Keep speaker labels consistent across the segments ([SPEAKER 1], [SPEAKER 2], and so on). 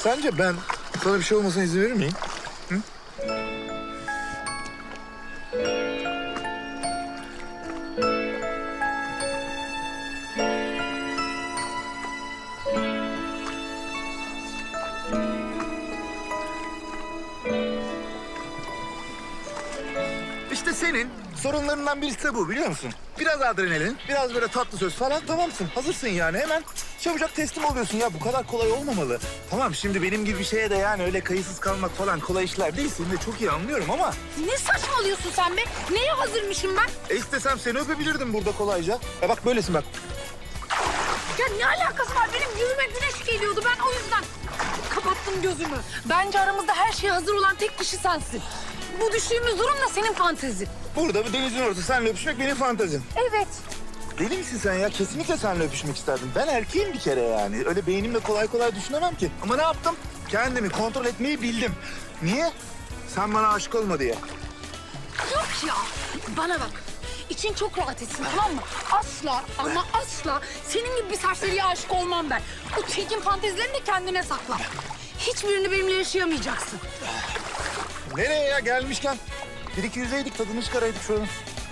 [SPEAKER 1] Sence ben sana bir şey olmasına izin verir miyim? Hı? İşte senin sorunlarından birisi de bu, biliyor musun? Biraz adrenalin, biraz böyle tatlı söz falan, tamamsın. Hazırsın yani, hemen çabucak teslim oluyorsun ya. Bu kadar kolay olmamalı. Tamam, şimdi benim gibi bir şeye de yani öyle kayıtsız kalmak falan kolay işler değil. Seni de çok iyi anlıyorum ama...
[SPEAKER 2] Ne saçmalıyorsun sen be? Neye hazırmışım ben?
[SPEAKER 1] istesem seni öpebilirdim burada kolayca. Ya bak böylesin bak.
[SPEAKER 2] Ya ne alakası var? Benim yüzüme güneş geliyordu. Ben o yüzden kapattım gözümü. Bence aramızda her şeye hazır olan tek kişi sensin. Bu düştüğümüz durum da senin fantezin.
[SPEAKER 1] Burada bir denizin ortası seninle öpüşmek benim fantezim.
[SPEAKER 2] Evet.
[SPEAKER 1] Deli misin sen ya? Kesinlikle seninle öpüşmek isterdim. Ben erkeğim bir kere yani. Öyle beynimle kolay kolay düşünemem ki. Ama ne yaptım? Kendimi kontrol etmeyi bildim. Niye? Sen bana aşık olma diye.
[SPEAKER 2] Yok ya. Bana bak. İçin çok rahat etsin, tamam mı? Asla ama asla senin gibi bir serseriye aşık olmam ben. O çirkin fantezilerini de kendine sakla. Hiçbirini benimle yaşayamayacaksın.
[SPEAKER 1] Nereye ya gelmişken? Bir iki yüzeydik, tadını çıkaraydık şuradan.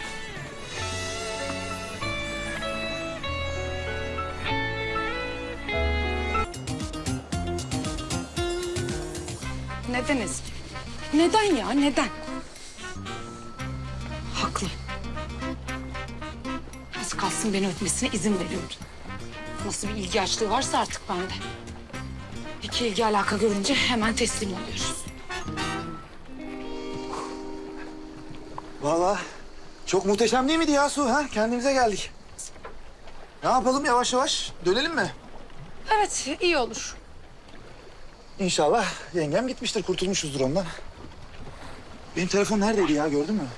[SPEAKER 2] Neden Ezgi? Neden ya, neden? Haklı. Az kalsın beni öpmesine izin veriyordu. Nasıl bir ilgi açlığı varsa artık bende. İki ilgi alaka görünce hemen teslim oluyoruz.
[SPEAKER 1] Vallahi çok muhteşem değil miydi ya Su? Ha? Kendimize geldik. Ne yapalım, yavaş yavaş dönelim mi?
[SPEAKER 2] Evet, iyi olur.
[SPEAKER 1] İnşallah yengem gitmiştir, kurtulmuşuzdur ondan. Benim telefon neredeydi ya, gördün mü?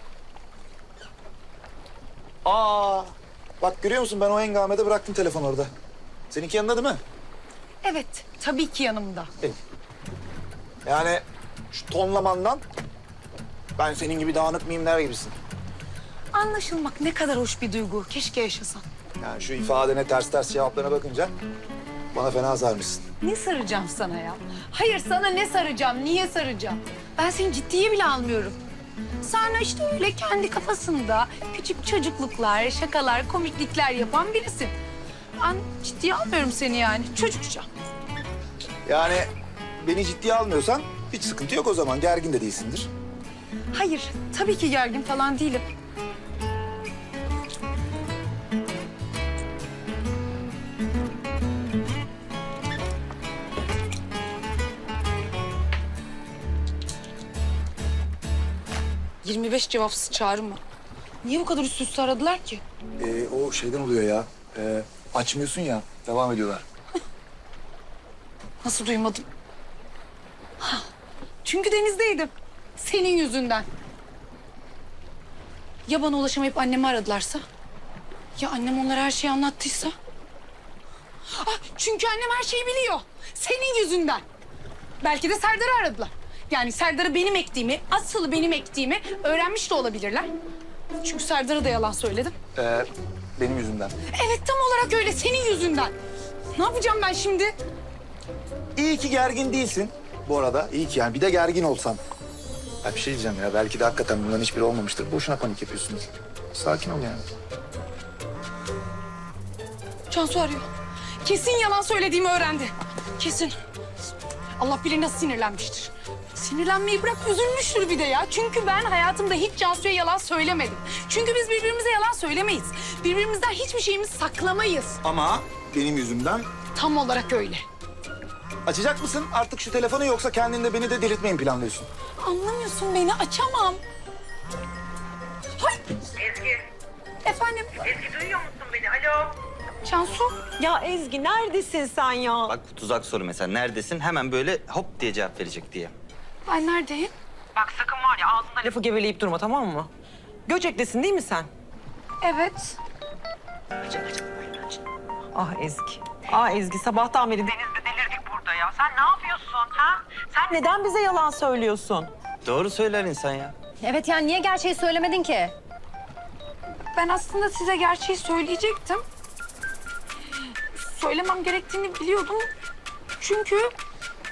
[SPEAKER 1] Aa, bak görüyor musun, ben o hengamede bıraktım telefon orada. Seninki yanında değil mi?
[SPEAKER 2] Evet, tabii ki yanımda.
[SPEAKER 1] Yani şu tonlamandan ben senin gibi dağınık mimler gibisin.
[SPEAKER 2] Anlaşılmak ne kadar hoş bir duygu. Keşke yaşasan.
[SPEAKER 1] Yani şu ifadene ters ters cevaplarına bakınca bana fena sarmışsın.
[SPEAKER 2] Ne saracağım sana ya? Hayır, sana ne saracağım, niye saracağım? Ben seni ciddiye bile almıyorum. Sonra işte öyle kendi kafasında küçük çocukluklar, şakalar, komiklikler yapan birisin. Ben ciddiye almıyorum seni yani, çocukça.
[SPEAKER 1] Yani beni ciddiye almıyorsan hiç sıkıntı yok o zaman. Gergin de değilsindir.
[SPEAKER 2] Hayır, tabii ki gergin falan değilim. ...25 cevapsız çağrı mı? Niye bu kadar üst üste aradılar ki?
[SPEAKER 1] O şeyden oluyor ya. Açmıyorsun ya. Devam ediyorlar.
[SPEAKER 2] Nasıl duymadım? Ha, çünkü denizdeydim. Senin yüzünden. Ya bana ulaşamayıp annemi aradılarsa? Ya annem onlara her şeyi anlattıysa? Ah, çünkü annem her şeyi biliyor. Senin yüzünden. Belki de Serdar'ı aradılar. Yani Serdar'ı benim ektiğimi, asıl benim ektiğimi öğrenmiş de olabilirler. Çünkü Serdar'a da yalan söyledim.
[SPEAKER 1] Benim yüzümden.
[SPEAKER 2] Evet, tam olarak öyle, senin yüzünden. Ne yapacağım ben şimdi?
[SPEAKER 1] İyi ki gergin değilsin bu arada. İyi ki yani. Bir de gergin olsan. Ya bir şey diyeceğim ya. Belki de hakikaten bunların hiçbiri olmamıştır. Boşuna panik yapıyorsunuz. Sakin ol yani.
[SPEAKER 2] Cansu arıyor. Kesin yalan söylediğimi öğrendi. Kesin. Allah bilir nasıl sinirlenmiştir. Sinirlenmeyi bırak, üzülmüştür bir de ya. Çünkü ben hayatımda hiç Cansu'ya yalan söylemedim. Çünkü biz birbirimize yalan söylemeyiz. Birbirimizden hiçbir şeyimizi saklamayız.
[SPEAKER 1] Ama benim yüzümden.
[SPEAKER 2] Tam olarak öyle.
[SPEAKER 1] Açacak mısın artık şu telefonu, yoksa kendin de beni de delirtmeyi mi planlıyorsun?
[SPEAKER 2] Anlamıyorsun beni, açamam. Hay!
[SPEAKER 3] Ezgi,
[SPEAKER 2] Efendim,
[SPEAKER 3] Ezgi duyuyor musun beni? Alo.
[SPEAKER 2] Cansu?
[SPEAKER 4] Ya Ezgi neredesin sen ya?
[SPEAKER 5] Bak bu tuzak soru mesela. Neredesin? Hemen böyle hop diye cevap verecek diye.
[SPEAKER 2] Ben neredeyim?
[SPEAKER 3] Bak sakın var ya ağzında
[SPEAKER 4] Lafı geveleyip durma, tamam mı? Göcek'tesin değil mi sen?
[SPEAKER 2] Evet.
[SPEAKER 4] Ah Ezgi. Ah Ezgi, sabahtan beri...
[SPEAKER 3] denizde delirdik burada ya. Sen ne yapıyorsun ha? Sen
[SPEAKER 4] Neden bize yalan söylüyorsun?
[SPEAKER 5] Doğru söyler insan ya.
[SPEAKER 6] Evet, yani niye gerçeği söylemedin ki?
[SPEAKER 2] Ben aslında size gerçeği söyleyecektim. Söylemem gerektiğini biliyordum. Çünkü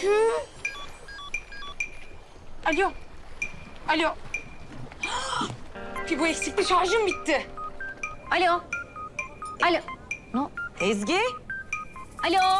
[SPEAKER 2] Alo. Alo. Bir bu eksikli şarjım bitti.
[SPEAKER 6] Alo. Alo. No.
[SPEAKER 4] Ezgi.
[SPEAKER 6] Alo.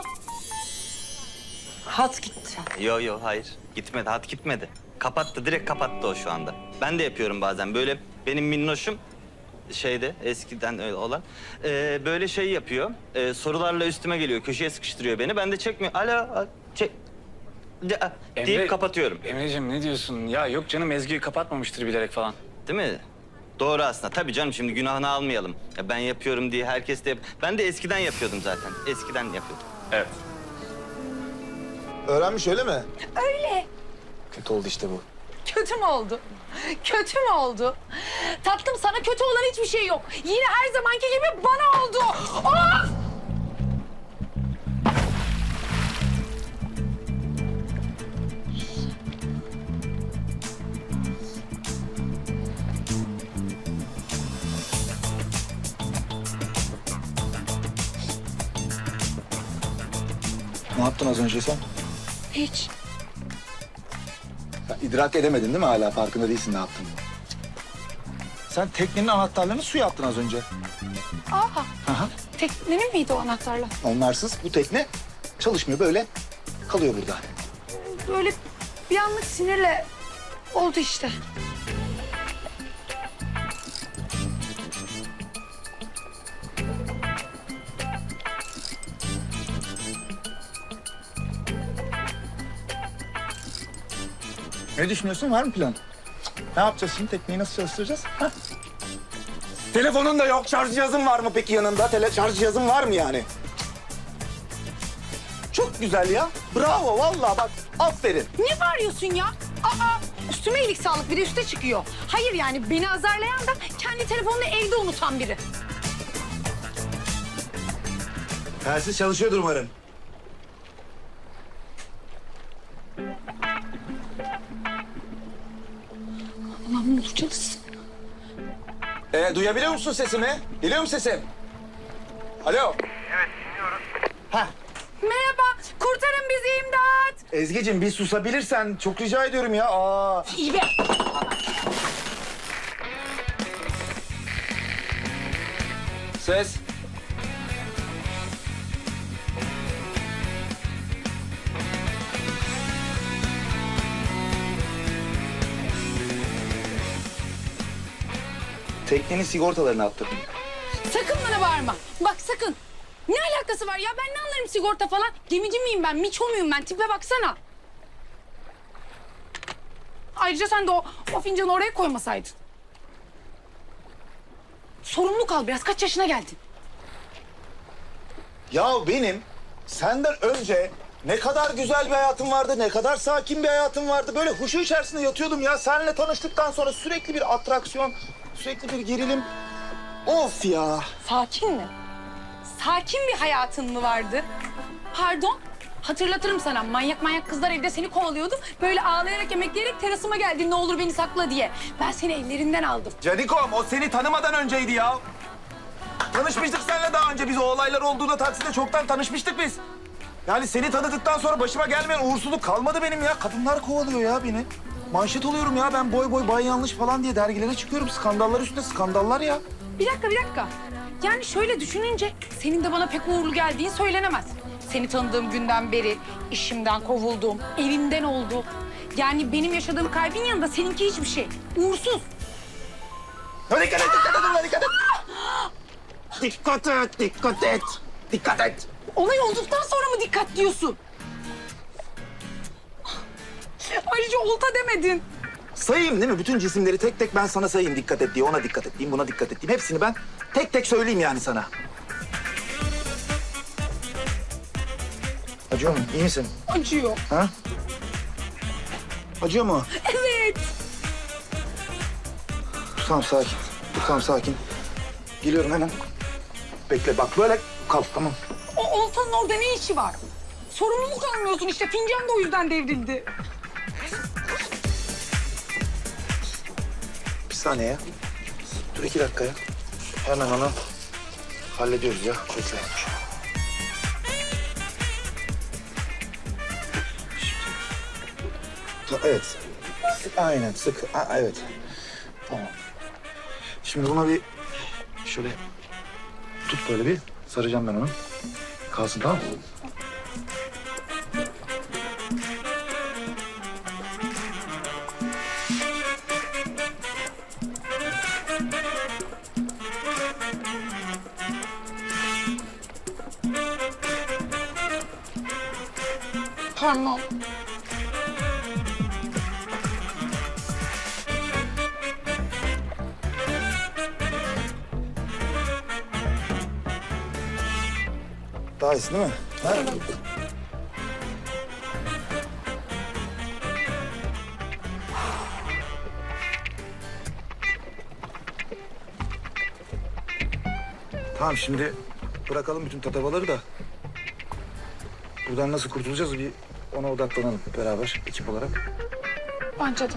[SPEAKER 4] Hat gitti.
[SPEAKER 5] Yo hayır. Gitmedi. Hat gitmedi. Kapattı. Direkt kapattı o şu anda. Ben de yapıyorum bazen. Böyle benim minnoşum şeyde eskiden öyle olan böyle şey yapıyor. Sorularla üstüme geliyor. Köşeye sıkıştırıyor beni. Ben de çekmiyor. Alo. Çek. Deyip kapatıyorum.
[SPEAKER 7] Emre'cim ne diyorsun? Ya yok canım Ezgi'yi kapatmamıştır bilerek falan.
[SPEAKER 5] Değil mi? Doğru aslında. Tabii canım şimdi günahını almayalım. Ya ben yapıyorum diye herkes de Ben de eskiden yapıyordum zaten. Eskiden yapıyordum.
[SPEAKER 7] Evet.
[SPEAKER 1] Öğrenmiş öyle mi?
[SPEAKER 2] Öyle.
[SPEAKER 1] Kötü oldu işte bu.
[SPEAKER 2] Kötü mü oldu? Kötü mü oldu? Tatlım sana kötü olan hiçbir şey yok. Yine her zamanki gibi bana oldu. Of!
[SPEAKER 1] Ne yaptın az önce sen?
[SPEAKER 2] Hiç.
[SPEAKER 1] Ya, idrak edemedin değil mi hala? Farkında değilsin ne yaptığını. Sen teknenin anahtarlarını suya attın az önce.
[SPEAKER 2] Aa. Teknenin miydi o anahtarla?
[SPEAKER 1] Onlarsız bu tekne çalışmıyor, böyle kalıyor burada.
[SPEAKER 2] Böyle bir anlık sinirle oldu işte.
[SPEAKER 1] Ne düşünüyorsun? Var mı plan? Ne yapacağız şimdi? Tekneyi nasıl çalıştıracağız? Ha?
[SPEAKER 8] Telefonun da yok. Şarj cihazın var mı peki yanında? Şarj cihazın var mı yani? Çok güzel ya. Bravo vallahi bak. Aferin.
[SPEAKER 2] Ne bağırıyorsun ya? Aa, üstüme iyilik sağlık bir de üste çıkıyor. Hayır yani beni azarlayan da kendi telefonunu evde unutan biri.
[SPEAKER 8] Telsiz çalışıyordur umarım.
[SPEAKER 2] Aman ne olur çalışsın.
[SPEAKER 8] Duyabiliyor musun sesimi? Geliyor mu sesim? Alo.
[SPEAKER 2] Merhaba, kurtarın bizi imdat.
[SPEAKER 8] Ezgi'cim bir susabilirsen çok rica ediyorum ya. Aa.
[SPEAKER 2] İyi be.
[SPEAKER 8] Ses. Teknenin sigortalarını attırdım.
[SPEAKER 2] Sakın bana bağırma. Bak sakın. Ne alakası var ya? Ben ne anlarım sigorta falan? Gemici miyim ben? Miço muyum ben? Tipe baksana. Ayrıca sen de o fincanı oraya koymasaydın. Sorumlu kal biraz. Kaç yaşına geldin?
[SPEAKER 8] Ya benim senden önce ne kadar güzel bir hayatım vardı, ne kadar sakin bir hayatım vardı. Böyle huşu içerisinde yatıyordum ya. Seninle tanıştıktan sonra sürekli bir atraksiyon, sürekli bir gerilim. Of ya.
[SPEAKER 2] Sakin mi? Sakin bir hayatın mı vardı? Pardon? Hatırlatırım sana. Manyak kızlar evde seni kovalıyordu. Böyle ağlayarak, emekleyerek terasıma geldin ne olur beni sakla diye. Ben seni ellerinden aldım.
[SPEAKER 8] Canikom o seni tanımadan önceydi ya. Tanışmıştık seninle daha önce. Biz o olaylar olduğunda takside çoktan tanışmıştık biz. Yani seni tanıdıktan sonra başıma gelmeyen uğursuzluk kalmadı benim ya. Kadınlar kovalıyor ya beni. Manşet oluyorum ya ben boy bay yanlış falan diye dergilere çıkıyorum. Skandallar üstüne skandallar ya.
[SPEAKER 2] Bir dakika. Yani şöyle düşününce senin de bana pek uğurlu geldiğin söylenemez. Seni tanıdığım günden beri işimden kovuldum, evimden oldu. Yani benim yaşadığım kalbin yanında seninki hiçbir şey. Uğursuz.
[SPEAKER 8] Ya dikkat et. Dikkat et.
[SPEAKER 2] Olay olduktan sonra mı dikkat diyorsun? Ayrıca olta demedin.
[SPEAKER 8] Sayayım değil mi? Bütün cisimleri tek tek ben sana sayayım dikkat et diye. Ona dikkat et diyeyim, buna dikkat et diyeyim. Hepsini ben tek tek söyleyeyim yani sana. Acıyor mu? İyi misin?
[SPEAKER 2] Acıyor.
[SPEAKER 8] Ha? Acıyor mu?
[SPEAKER 2] Evet.
[SPEAKER 8] Tamam sakin. Tamam sakin. Geliyorum hemen. Bekle bak böyle kal tamam.
[SPEAKER 2] O oltanın orada ne işi var? Sorumluluk almıyorsun işte. Fincan da o yüzden devrildi.
[SPEAKER 8] Bir saniye ya. Dur 2 dakika ya. Hemen onu hallediyoruz ya. Bekle. Şimdi.
[SPEAKER 1] Evet. Aynen sık. Evet. Tamam. Şimdi buna bir şöyle tut böyle bir. Saracağım ben onu. Kalsın tamam mı?
[SPEAKER 2] Parmağım.
[SPEAKER 1] Daha iyisin değil mi? Ha? Tamam şimdi bırakalım bütün tatavaları da. Buradan nasıl kurtulacağız bir ona odaklanalım beraber ekip olarak.
[SPEAKER 2] Bence de.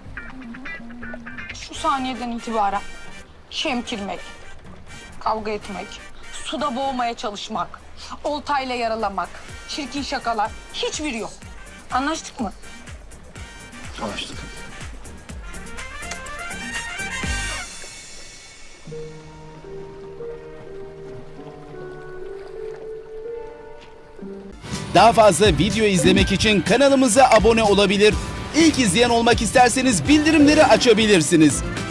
[SPEAKER 2] Şu saniyeden itibaren şemkirmek, kavga etmek, suda boğmaya çalışmak, oltayla yaralamak, çirkin şakalar hiçbiri yok. Anlaştık mı?
[SPEAKER 1] Anlaştık.
[SPEAKER 9] Daha fazla video izlemek için kanalımıza abone olabilir. İlk izleyen olmak isterseniz bildirimleri açabilirsiniz.